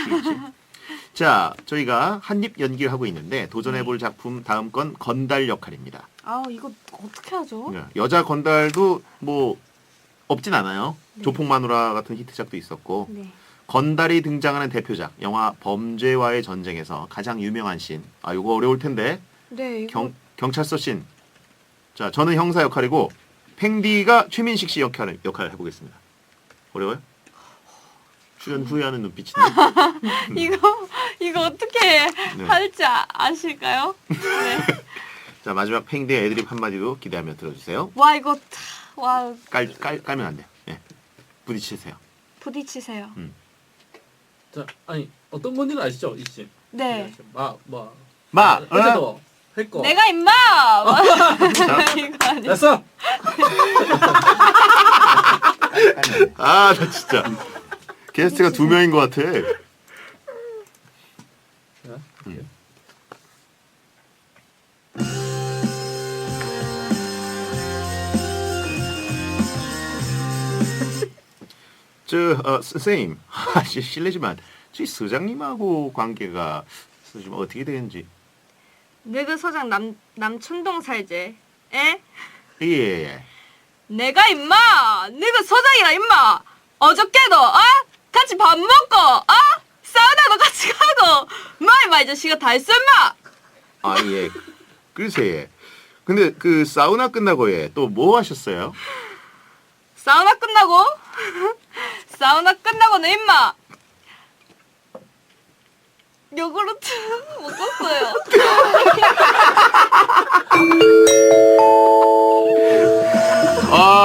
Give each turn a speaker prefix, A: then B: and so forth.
A: 아시겠지? 자, 저희가 한입 연기를 하고 있는데 도전해볼 작품 다음 건 건달 역할입니다.
B: 아 이거 어떻게 하죠?
A: 여자 건달도 뭐 없진 않아요.
B: 네.
A: 조폭마누라 같은 히트작도 있었고
B: 네.
A: 건달이 등장하는 대표작 영화 범죄와의 전쟁에서 가장 유명한 씬. 아, 이거 어려울 텐데.
B: 네 이거
A: 경찰서 씬. 자, 저는 형사 역할이고 팽디가 최민식 씨 역할을 해보겠습니다. 어려워요? 출연 후회하는 눈빛인데.
B: 이거 어떻게 할지 아실까요? 네.
A: 자, 마지막 팽디의 애드립 한마디도 기대하며 들어주세요.
B: 와 이거 와
A: 깔면 안 돼. 예. 부딪히세요.
B: 부딪히세요.
C: 자, 아니 어떤 건지는 아시죠, 이 씨?
B: 네.
C: 어제도 했고.
B: 내가 임마. 이거 아니야.
C: 됐어.
A: 아, 나 진짜 게스트가 2명인 것 같아. 선생님, 실례지만 저희 서장님하고 관계가 좀 어떻게 되는지.
B: 너그 서장 남촌동 살제. 에?
A: 예.
B: 내가 임마. 너그 서장이라 임마. 어저께도 같이 밥 먹고 사우나도 같이 가고 뭐 임마 이 자식아 다 했어 임마.
A: 아, 예. 글쎄. 근데 그 사우나 끝나고 또 뭐 하셨어요?
B: 사우나 끝나고? 사우나 끝나고는 임마 요구르트 먹었어요.
A: 아,